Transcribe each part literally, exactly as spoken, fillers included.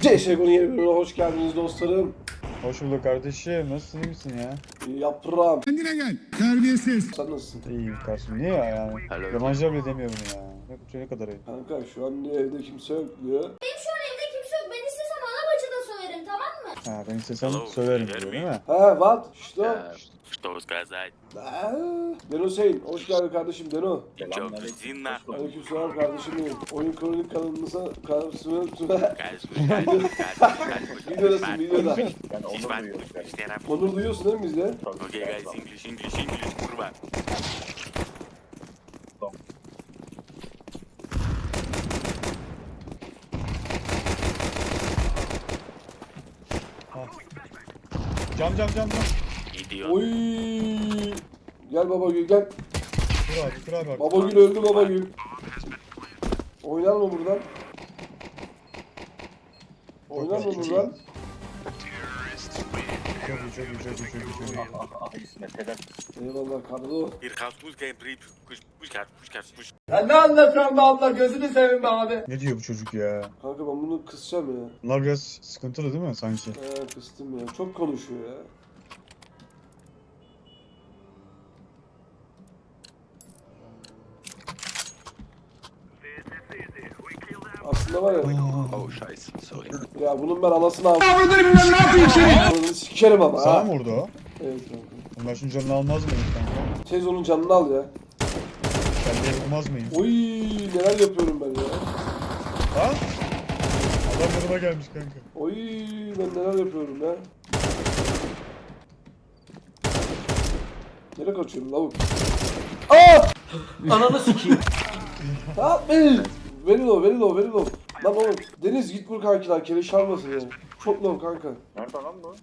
C S G O'nun yeni bölümüne hoş geldiniz dostlarım. Hoş bulduk kardeşim. Nasılsın, iyi misin ya? Yaprağım. Kendine gel. Terbiyesiz. Sen nasılsın? İyiyim kardeşim. Niye ya yani? Yabancılar bile demiyor bunu ya. Ne, ne kadar ayıp. Kanka şu an evde kimse yok diyor. Benim şu an evde kimse yok. Ben istesem ana bacı da söverim, tamam mı? Ha ben istesem Hello, söylerim can you diyor hear değil mi? He what? Что? Э, Что сказать? Eee, Deno Hüseyin. Hoş geldin kardeşim Deno. Чё, иди nахуй. Aleykümselam kardeşim benim. Oyun kronik kanalımıza karşısına Каждый, каждый, каждый, Videodasın каждый. videoda. Ben Здесь onu вам duyuyorum. все равно. Onur duyuyorsun değil mi bizde? Окей, guys, English, English, English, kurwa. Cam cam cam cam. Idiot. Oy. Gel baba gül gel. Dur abi dur abi bak. Baba gül öldü baba gül. Oynar mı buradan? Oynar mı buradan? Çok iyi çok iyi çok iyi çok iyi çok iyi. Ah İsmet helal. Eyvallah kardo. Hier gaat Fußgänger, Brief, Fuß, Fußgänger, Fußgänger, Fuß. Ya ne anlatıyorsun be abla, gözünü seveyim be abi. Ne diyor bu çocuk ya? Kanka ben bunu kısacağım ya. Bunlar biraz sıkıntılı değil mi sanki? Ee, kıstım ya. Çok konuşuyor ya. Aslında var ya. Oh, scheiße, sorry. Ya bunun ben anasını aldım. Anasını sikerim ama Sana ha. mı vurdu o? Evet kanka. Bunlar şunun canını almaz mıyım kanka? Tez onun canını al ya. Ben de yapamaz mıyım? Oy neler yapıyorum ben ya. Ha? Adam yanıma gelmiş kanka. Oy ben neler yapıyorum ya. Nereye kaçıyorum lavuk? Aa! Ananı sikeyim. Yapmayın. Verin o, verin o, verin o. Lan oğlum, Deniz git vur kankiler, keleş almasın ya. Çok low kanka. Nerede lan bu?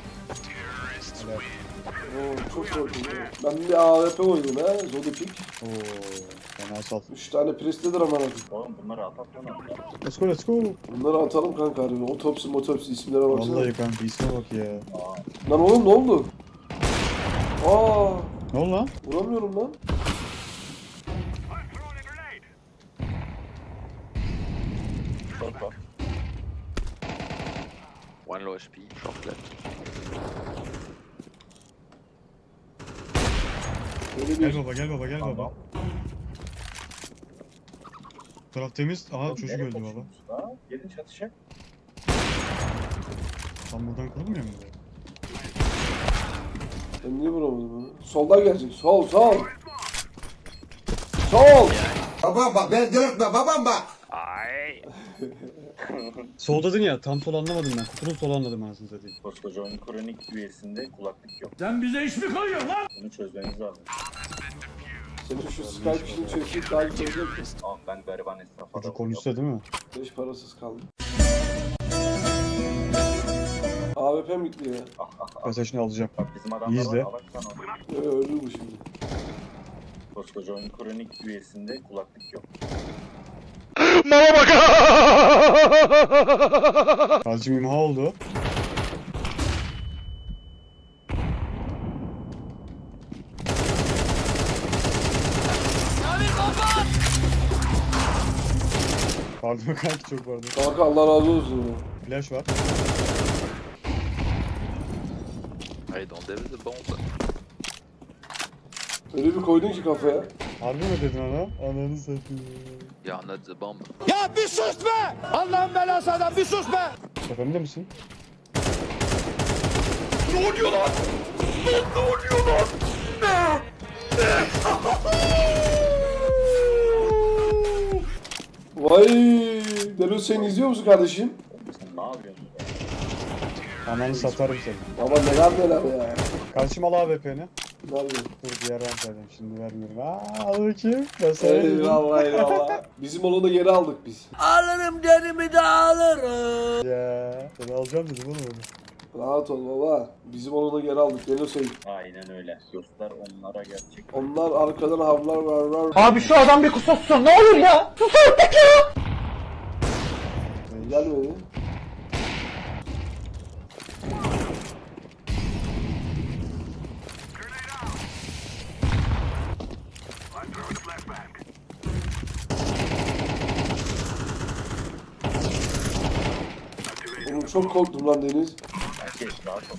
Oo, çok korktum ya. Ben bir A W P oynadım ha, Zodipik. Oo, fena sal. Üç tane presledir aman abi. Oğlum bunları atak lan. Let's go let's go. Bunları atalım kanka harbi. Otopsi motopsi isimlere baksana. Vallahi kanka isme bak ya. Lan oğlum ne oldu? Aa, Ne oldu lan? vuramıyorum lan. Short var. One low H P, short left. Böyle Gel bir... baba gel baba gel baba. Tamam. Bu taraf temiz. Aha Oğlum, çocuk nereye öldü baba. kaçıyorsunuz la? Gelin çatışa. Tam buradan kurulmuyor mu? Ben niye vuramadım onu? Soldan gelecek, sol, sol. Sol! Babam bak, beni delirtme babam bak. Ay. Sol dedin ya tam sol anlamadım ben. Kutunun sol anladım anasını satayım. Koskoca oyun kronik üyesinde kulaklık yok. Sen bize iş mi koyuyorsun lan? Bunu çözmeniz lazım. Senin şu Skype işini çözüp daha güzel olacak mı? Ama ben gariban esnafa Çocuk konuşsa değil mi? Beş parasız kaldım. A W P mi gitti ya? Ah ah ah. Ben sen şimdi alacağım. Bak bizim adamlar İzle. var. Alaksan onu. Ee, öldü bu şimdi. Koskoca oyun kronik üyesinde kulaklık yok. Azıcık imha oldu. Pardon kanki çok pardon. Kanka Allah razı olsun ya. Flash var. I don't have the bomb. Öyle bir koydun ki kafaya. Harbi mi dedin ona? Ananı satayım. You're not the bomb. Ya bir sus be! Allah'ın belası adam, bir sus be! Tepemde misin? Vay! Delo sen izliyor musun kardeşim? Sen ne yapıyorsun? Ananı satarım seni. Baba neler neler ya. Kardeşim al A W P'ni. Nerede? Dur bir yerden söyleyeyim şimdi vermiyorum. Aaa al bakayım. Ben sana dedim. Eyvallah eyvallah. Bizim olanı geri aldık biz. Alırım derimi de alırım. Ya. Ben alacağım dedim oğlum onu. Rahat ol baba. Bizim olanı geri aldık. Delo sen. Aynen öyle. Göster onlara gerçek. Onlar arkadan havlar var var. Abi şu adam bir kusursun, ne olur ya! Sus artık ya! Gelmedi. çok korktum lan Deniz. Herkes rahat ol.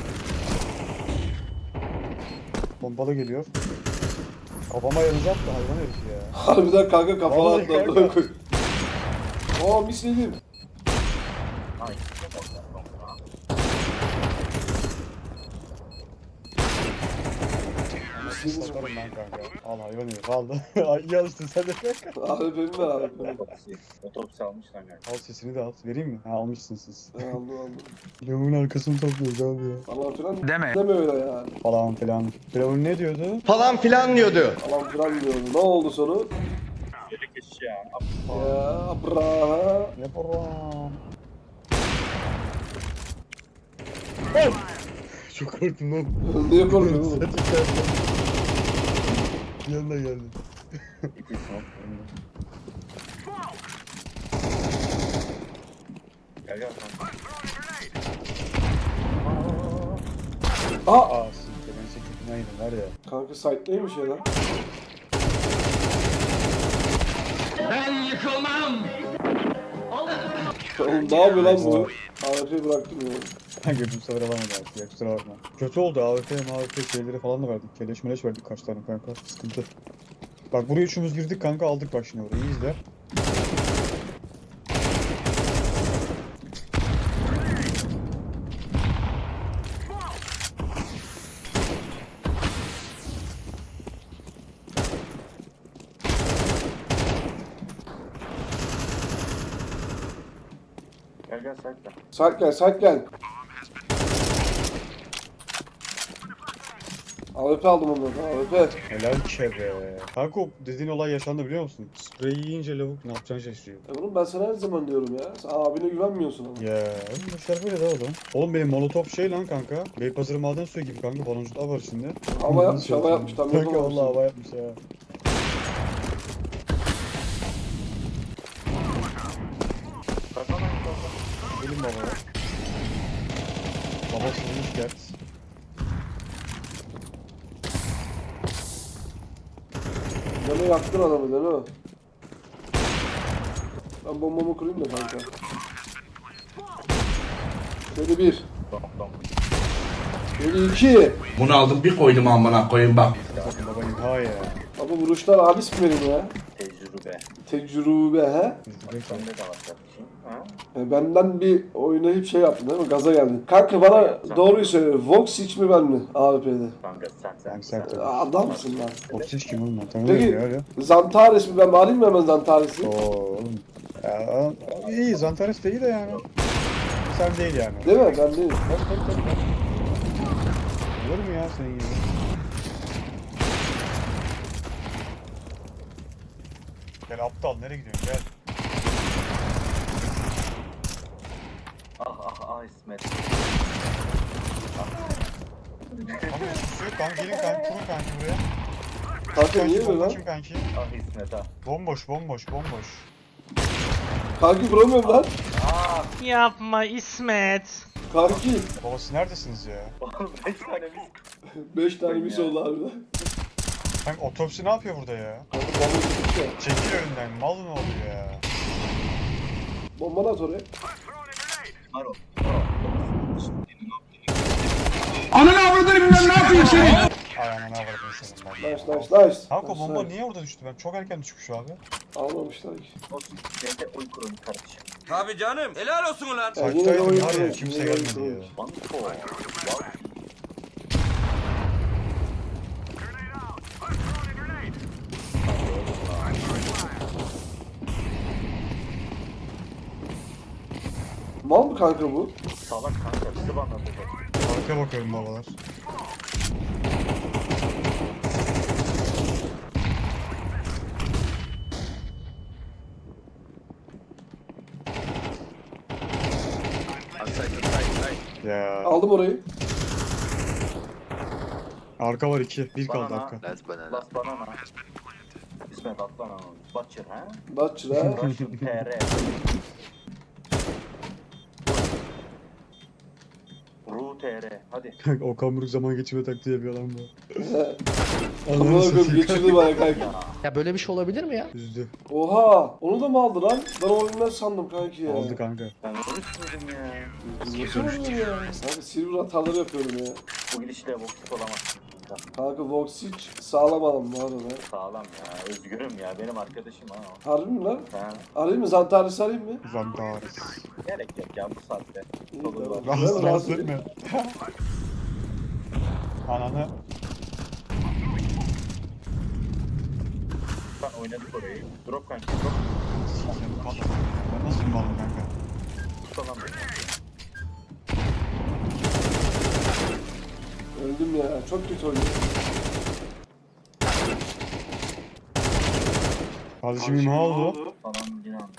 Pompalı geliyor. Kafama yarayacak da hayvan herif ya. Harbiden kanka kafana Vallahi attı. kanka. amına koyayım. Aa misledim. Ay, çok az daha. Satarım ben kanka. Al hayvan herif aldı. Ay iyi alıştın sen de kanka. A W P'mi ver A W P'mi. Otopsi. Otopsi almışlar galiba. Al sesini de al. Vereyim mi? Ha almışsınız siz. Ha, Aldım aldım. Lavuğun arkasını topluyoruz abi ya. Falan filan deme. Deme öyle ya. Falan filan. Firavun ne diyordu? Falan filan diyordu. Falan filan diyordu. Ne oldu sonu? Böyle geçiş ya. Ya bra. Yaparım. Çok korktum lan. Niye korkuyorsun oğlum? Yanına geldi. İki smoke. Gel gel kanka. Aa! Aa siktir ben sekizin aynı var ya. Kanka site neymiş ya lan? Oğlum ne yapıyor lan bu? A W P bıraktım ya. Kanka bu sefer alamadı artık ya kusura bakma. Kötü oldu A W P, M A W P şeyleri falan da verdik. Keleş meleş verdik kaç tane kanka. Sıkıntı. Bak buraya üçümüz girdik kanka aldık bak şimdi orayı iyi izle. Gel gel sakla. Site gel, site gel. A W P aldım ondan. A W P. Helal kere. Kanka o dediğin olay yaşandı biliyor musun? Spreyi yiyince lavuk ne yapacağını şaşırıyor. E oğlum ben sana her zaman diyorum ya. Sen abine güvenmiyorsun ama. Ya oğlum bu işler böyle de oğlum. Oğlum benim molotov şey lan kanka. Beypazarı maden suyu gibi kanka baloncuklar var içinde. Hava yapmış, hava yapmış. Tam Kanka yapamamışsın. valla hava yapmış ya. Kazan aynı kazan. Gelin babaya. Baba sürmüş gert. Deme yaktın adamı deme. Ben bombamı kurayım da kanka. Şöyle bir. Dom dom. Şöyle iki. Bunu aldım bir koydum amına koyayım bak. Bakın babayım ha ya. Baba vuruşlar abis mi benim ya? Tecrübe. Tecrübe he? Sende de var kardeşim. Ha? E, benden bir oynayıp şey yaptın değil mi? Gaza geldin. Kanka bana doğruyu söyle. Vox hiç mi ben mi A W P'de? Kanka sen sen. Ben sert E, oldum. Adamsın lan. Toksiç kim oğlum ben tanımıyorum Peki ya öyle. Zantares mi? Ben alayım mı hemen Zantares'i? Oo oğlum. Ya, iyi Zantares de iyi de yani. Sen değil yani. Değil mi? Ben değilim. Tabii tabii tabii. tabii. Olur mu ya senin gibi? Gel aptal nereye gidiyorsun gel. Ah ah ah İsmet. Kanka hiçbir şey yok kanka gelin kanka kurun kanki buraya. Kanka niye Kanki böyle lan? bomboşum kanki. Ah İsmet ah. Bomboş bomboş bomboş. Kanki vuramıyorum lan. Yapma İsmet. Kanki. Babası neredesiniz ya? Oğlum beş tane biz. Beş tane mis oldu harbiden. Kanka otopsi ne yapıyor burada ya? Kanka bomba gitti ya. Çekil önünden mal ne oluyor ya? Bomba at oraya. Maro. Ananı avradını bilmem ne yapayım seni. Ay aman avradım senin ben. Nice nice nice. Kanka Nice, bomba nice. niye orada düştü? Ben çok erken düşmüş abi. Almamışlar ki. Olsun. Ben de oy kurun kardeşim. Tabii canım. Helal olsun ulan. Ya Saçtaydım yine de oyun var ya, kurulmuş, kimse yine de oyun gelmedi kurulmuş. ya. Banko. Wow. Mal mı kanka bu? Salak kanka bizi banlatacak. Arka bakıyorum babalar. Outside, outside, outside. Ya. Aldım orayı. Arka var iki. Bir kaldı Bana- arka. Last banana. Bas banana. İsmet atlan onu. Butcher ha? Butcher ha. Russian T R. Root. U T R. Hadi. Kanka o kamburuk zaman geçirme taktiği yapıyor lan bu. Amına koyayım geçirdi bana kanka. Ya böyle bir şey olabilir mi ya? Üzdü. Oha! Onu da mı aldı lan? Ben onu bilmez sandım kanki ya. Aldı kanka. Ben oruç ya. Nasıl oldu ya? Kanka silver hataları yapıyorum ya. Bu gidişle boksik olamazsın. Kanka Voxic sağlam alım bu arada. Sağlam ya. Özgürüm ya. Benim arkadaşım ha. o. Harbi mi lan? Ha. Arayayım mı? Zantaris arayayım mı? Zantares. Gerek yok ya bu saatte. İyi, Olur tamam. var. Rahatsız Ben rahatsız rahatsız etme. Ananı. Ben oynadık orayı. Drop kanka. Drop. Sikeceğim patladı. Ben nasıl bir malım kanka? Tutamam beni. Öldüm ya. Çok kötü oynuyor. Kardeşim imha oldu. Falan yine anladım.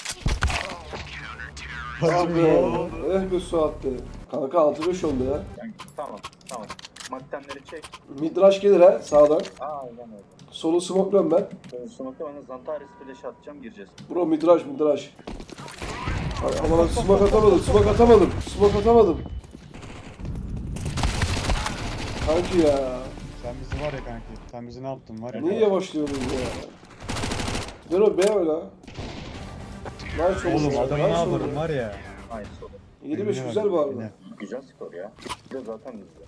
Ah Kardeşim be. imha oldu. Eh be Suat be. Kanka altı beş oldu ya. Yani, tamam. Tamam. Maktemleri çek. Midrash gelir ha sağdan. Aa öyle öyle. Solu smokluyorum ben. Ben smoke'ta bana Zantares flash atacağım gireceğiz. Bro midrash midrash. Ay aman smoke atamadım smoke atamadım. Smoke atamadım. Kanki ya. Sen bizi var ya kanki. Sen bizi ne yaptın var ya. Niye yavaşlıyorsun ya? Dero B öyle. Nice Oğlum oldu. adamı ne Nice yaparım oldu. var ya. Aynı soru. yedi beş Eline güzel bak, bu arada. eline. Güzel skor ya. Bir de zaten güzel.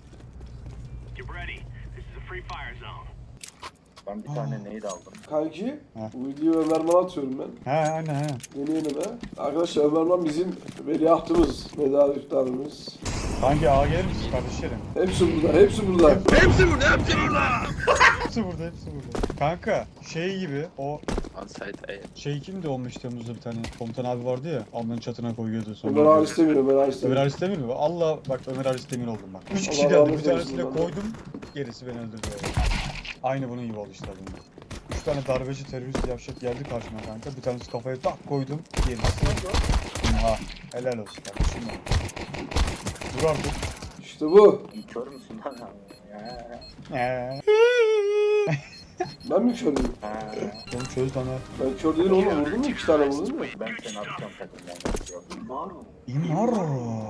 Ben bir tane nade aldım. Kanki, Ha. bu videoyu Ömerman'a atıyorum ben. He aynen he. Yeni yeni be. Arkadaşlar Ömerman bizim veliahtımız, medar iftarımız. Kanki ağa gelir misin kardeşlerim? Hepsi burada, hepsi burada. Hepsi burada, hepsi burada. Hepsi burada hepsi burada. Kanka şey gibi o On site A. şey kimdi on beş Temmuz'da bir tane komutan abi vardı ya alnının çatına koyuyordu sonra. Ömer Halis Demir, Ömer Halis Ömer Demir. Halis Demir mi? Allah bak Ömer Halis Demir oldum bak. Üç kişi Allah geldi rahmet bir tanesine eylesin koydum gerisi beni öldürdü. Aynı bunun gibi oldu işte bunda. Üç tane darbeci terörist yavşak geldi karşıma kanka. Bir tanesi kafaya tak koydum. Gerisi. Ha helal olsun kardeşim. Dur artık. İşte bu. Kör müsün lan abi? Ya. Eee. Ben mi körüm? Ha. Oğlum çöz lan ha. Ben kör değil oğlum, vurdun mu? İki tane vurdun mu? Ben seni atacağım takımdan. Yok. Var mı? İmaro.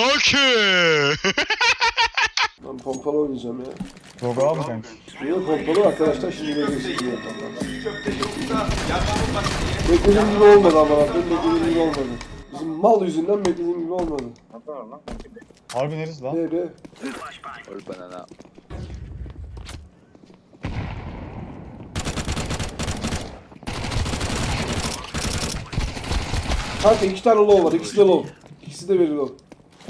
Ben pompalı oynayacağım ya. Roga mı kanka? Niye pompalı arkadaşlar şimdi göreceksiniz diye. Beklediğim gibi olmadı ama benim beklediğim gibi olmadı. Bizim mal yüzünden beklediğim gibi olmadı. Ne var lan? Harbi neresi lan? B B. Or banana. Kanka iki tane low var, ikisi de low. İkisi de veri low.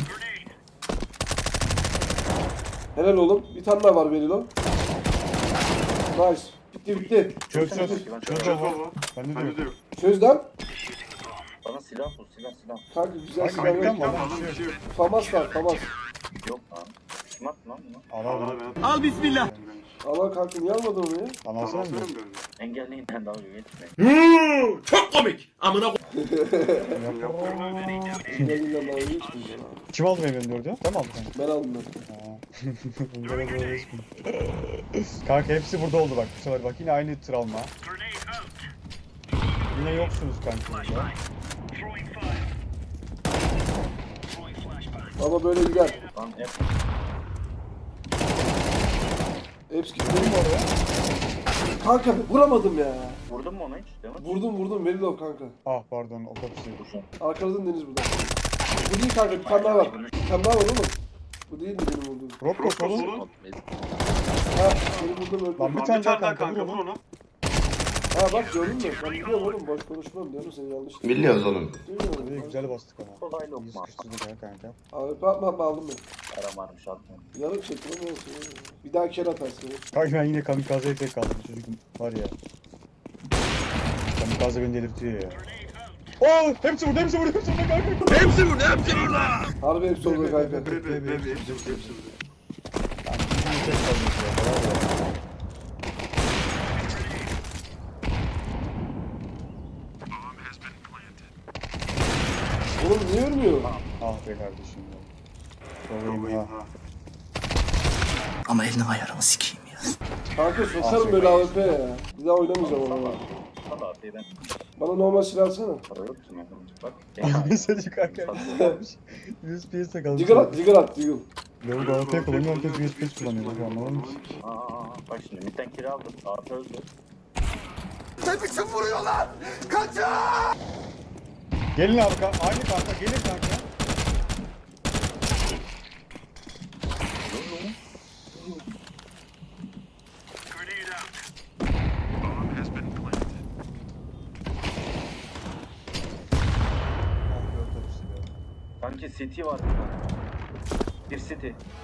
Helal oğlum. Bir tane daha var veri low. Nice. Bitti bitti. Çöz çöz. Çöz baba. Ben de diyorum. Çöz lan. Bana silah bul, silah silah. Kanka güzel Kanka silah beklen ver. var lan. bir şey yok. Famas var, famas. Yok lan. Smat lan bu. Al al al. Al bismillah. Allah kanka niye almadın onu ya? Al alsana mı? Engelleyin ben dalga geçmeyin. Çok komik. Amına Sinirliyle dalga geçmeyeceğim abi. Kim aldı benim dördü? Sen mi aldın kanka? Ben aldım ben. Ha. Bunlara doğru resmi. Kanka hepsi burada oldu bak bu sefer bak yine aynı travma. Yine yoksunuz kanka burada. Ama böyle gider. Lan hep Hepsi gitti mi oraya? Kanka vuramadım ya. vurdun mu ona hiç? Değil mi? Vurdum vurdum Verilov kanka. Ah pardon otopsi. Arkadan Deniz burada. Bu değil kanka bir tane daha var. Bir tane daha var oğlum. Bu değil mi benim olduğum? Rokko solun. Smoke mid. Ha benim vurdum öldü. Lan bir tane daha kanka vur onu. Ha bak gördün mü? Ben biliyorum oğlum boş konuşmam diyorum seni yanlış. Biliyoruz oğlum. Duymuyorum. İyi güzel bastık ama. Kolay İyi lokma. sıkıştırdık ha kanka. Abi atma atma aldım ben. Aramarmış atmıyorum. Yarım çektim ama olsun. Bir daha kere atarsın. Kanka ben yine kamikazeye tek kaldım çocuk var ya. Kamikaze beni delirtiyor ya. Oo hepsi burada hepsi burada hepsi burada kanka. Hepsi burada, hepsi burada. Harbi hepsi oldu kanka. Kanka bizim tek kalmış ya. Bravo ya. Oğlum niye ölmüyor? Ah be kardeşim ya. Sorayım ha. Ama elini ayarımı sikeyim ya. Kanka sokarım böyle A W P ya. Bir daha oynamayacağım onu. Valla ben Bana normal silah alsana. Para yok ki yani. Bak. Mesajı kanka. U S B'ye takalım. Diggle at, diggle at, diggle. Lavuk A P kullanıyor, herkes U S B kullanıyor. Bak anlamadım ki. Aa, aa, aa. Bak şimdi midden kira aldım. Artı öldü. Gelin abi kanka. Aynı kanka. Gelin kanka. Sanki city var bir tane. Bir city.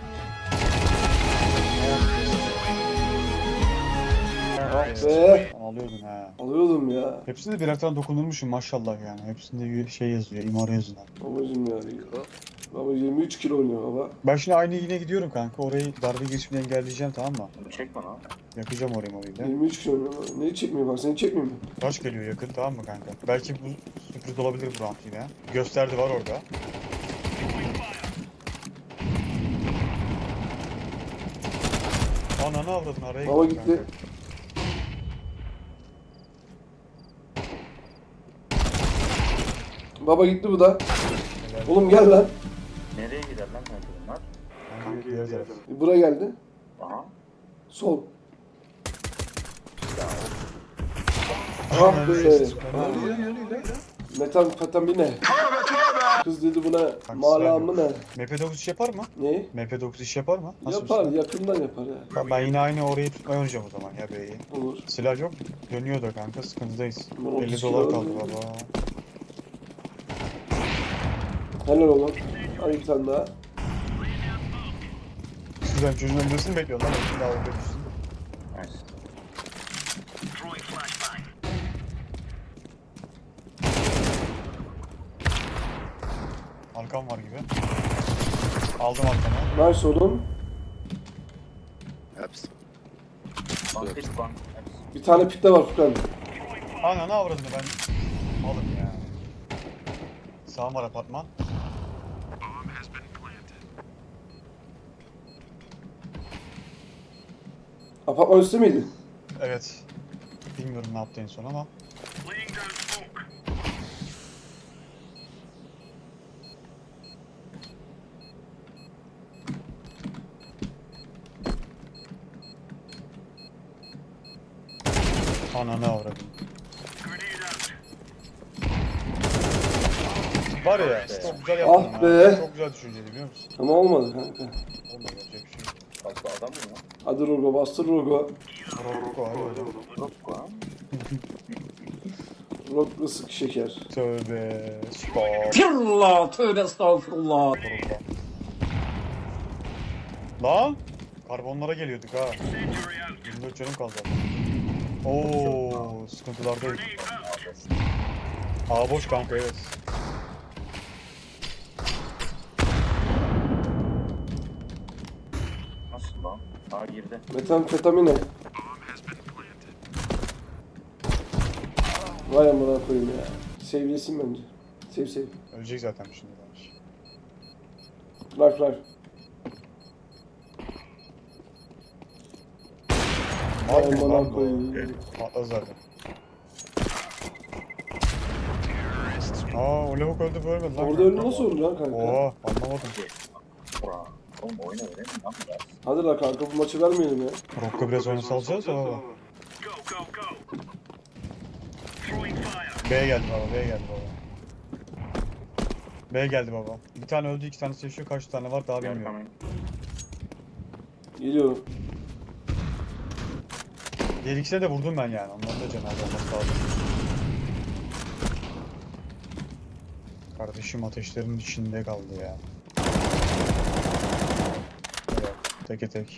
Ah be. Alıyordun ha. Alıyordum ya. Hepsinde birer tane dokunulmuşum maşallah yani. Hepsinde şey yazıyor, imara yazıyor. Babacım ya. Baba yirmi üç kilo oynuyor baba. Ben şimdi aynı yine gidiyorum kanka. Orayı darbe girişimini engelleyeceğim, tamam mı? Bunu çekme lan. Yakacağım orayı morayla. yirmi üç kilo oynuyor. Neyi çekmiyor bak, seni çekmiyor mu? Taş geliyor yakın, tamam mı kanka? Belki bu sürpriz olabilir bu round yine. Gösterdi var orada. Ananı avradın araya Baba gitti gitti. kanka. Baba gitti bu da. Helal. Oğlum gel lan. Nereye gider lan kanka bunlar? Kanka diğer taraf. Buraya geldi. Aha. Sol. Ah be. Metamfetamine. Kız dedi buna malamı ne? M P dokuz iş yapar mı? Ne? M P dokuz iş yapar mı? Nasıl bir Yapar, silah? yakından yapar ya. Ben- Ben yine aynı orayı tutmayı oynayacağım o zaman ya beyi. Olur. Silah yok. Dönüyor da kanka, sıkıntıdayız. Ulan otuz elli kilo dolar öldü. kaldı baba. Helal oğlum. Hadi bir tane daha. Güzel, çocuğun öldürsün mi bekliyorlar? Şimdi daha orada düşsün. Nice. Arkam var gibi. Aldım arkamı. Nice oğlum. Hepsi. Bank hit bank. Bir tane pitte var Furkan. Ananı avradını ben malım ya. Sağ var apartman. Apartman üstü müydü? Evet. Bilmiyorum ne yaptı en son ama. Ananı avradım. Var ya, çok güzel yaptın Ah ha. be. Çok güzel düşünceli biliyor musun? Ama olmadı kanka. Olmadı, yapacak bir şey yok. Fazla adam mı lan? Hadi Rogo, bastır Rogo. Rocco hadi hocam. Yok lan. Rogo sık şeker. Tövbe. Stop. Firullah, tövbe estağfurullah. Durumda. Lan! Karbonlara geliyorduk ha. yirmi dört canım kaldı. Oo, sıkıntılardayız. A boş kanka, evet. Nasıl lan? Aa girdi. Metamfetamine. Vay amına koyayım ya. Sevgilesin bence. Sev sev. Ölecek zaten şimdi bence. Life life. Vay Abi amına lan bu. koyayım. Patladı zaten. Aa, o lavuk öldü bu ölmedi lan. Orada kanka. ölü nasıl olur lan kanka? Oo, anlamadım. Ura. Oğlum oyna öyle mi lan biraz? Hadi la kanka bu maçı vermeyelim ya. Rocco biraz oyunu salacağız da baba. B geldi baba, B geldi baba. B geldi baba. Bir tane öldü, iki tane seçiyor, kaç tane var daha Gel bilmiyorum. hemen. Geliyorum. Diğer ikisine de vurdum ben yani, onların da cenaze olması lazım. Kardeşim ateşlerin içinde kaldı ya. Evet, teke tek.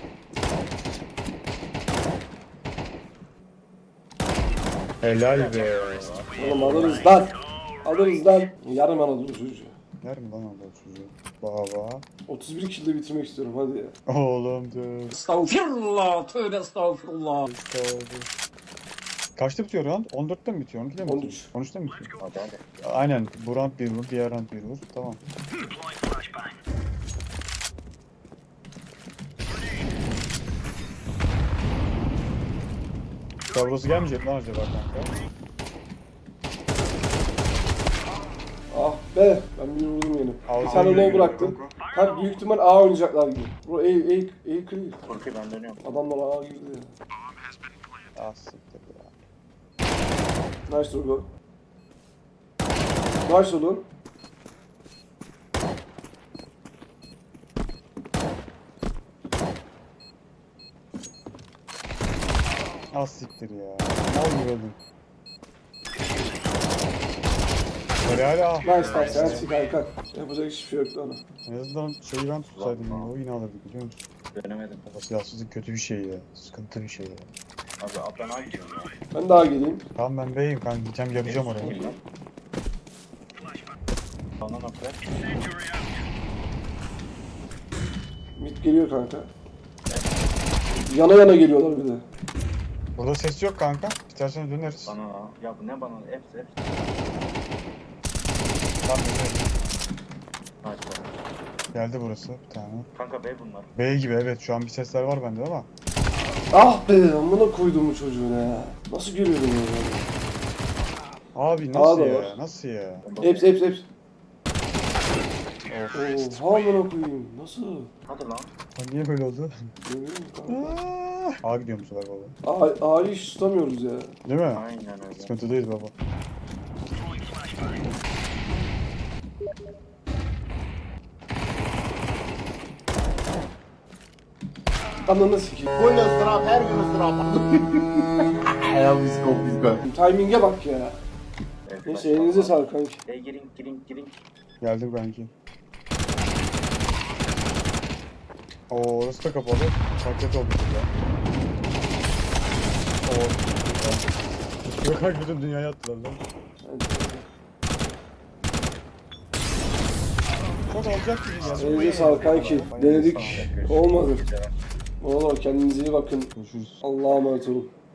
Helal be. Oğlum alırız lan. Alırız lan. Yarım Anadolu çocuğu. Yer mi lan orada çocuğu? Baba. otuz bir kilde bitirmek istiyorum hadi ya. Oğlum dur. Estağfirullah, tövbe estağfurullah. Kaçta bitiyor round? on dörtte mi bitiyor? on ikide mi on bitiyor? üç. on üçte mi bitiyor? Hadi hadi. Aynen. Bu round bir vur, diğer round bir vur. Tamam. Davrosu gelmeyecek lan acaba kanka? Ah be. Ben bir vurdum yine. Bir Ağzına tane güle low güle bıraktım. Konko. Kanka büyük ihtimal A oynayacaklar gibi. Bro A, A, A clear. Korkuyor ben dönüyorum. Adamlar A girdi ya. Ah siktir ya. Nice oğlum. Nice oğlum. Ah siktir ya. Mal gibi öldüm. Böyle hala. Nice nice. Sensin kanka. Yapacak hiçbir şey yoktu ona. En azından şeyi ben tutsaydım ya. O yine alırdı biliyor musun? Dönemedim. Baba silahsızlık kötü bir şey ya. Sıkıntı bir şey ya. Abi abi ben A gidiyorum ya. Ben daha geleyim. Tamam ben B'yim kanka. Gideceğim yarayacağım oraya. Kim lan? Bana nokta. Mid geliyor kanka. Yana yana geliyorlar bir de. Burada ses yok kanka. İstersen döneriz. Bana A. Ya bu ne bana? Hepsi hepsi. Tamam döneriz. Nice bana. Geldi burası bir tane. Kanka B bunlar. B gibi evet şu an bir sesler var bende ama. Ah be amına koydum bu çocuğuna ya. Nasıl görüyorum ya? Abi Daha nasıl da ya? var. Nasıl ya? Hepsi hepsi hepsi. Of. Oha amına koyayım. Nasıl? Hadi lan. Lan niye böyle oldu? Bilmiyorum kanka. Aa, A gidiyor bu sefer baba. A- A'yı hiç tutamıyoruz ya. Değil mi? Aynen öyle. Sıkıntıdayız baba. Ananı sikeyim. Bu ne ıstırap, her gün ıstırap. Ya biz go, biz go. Timing'e bak ya. Evet, Neyse elinize sağlık kanki. E girin girin girin. Geldim kanki. Oo orası da kapalı. Paket oldu burada. Oo. Yok kanka bütün dünyaya attılar lan. Çok alacak gibi geldi. Elinize sağlık kanki. Denedik. Olmadı. Güzel. Oğlum kendinize iyi bakın. Görüşürüz. Allah'a emanet olun.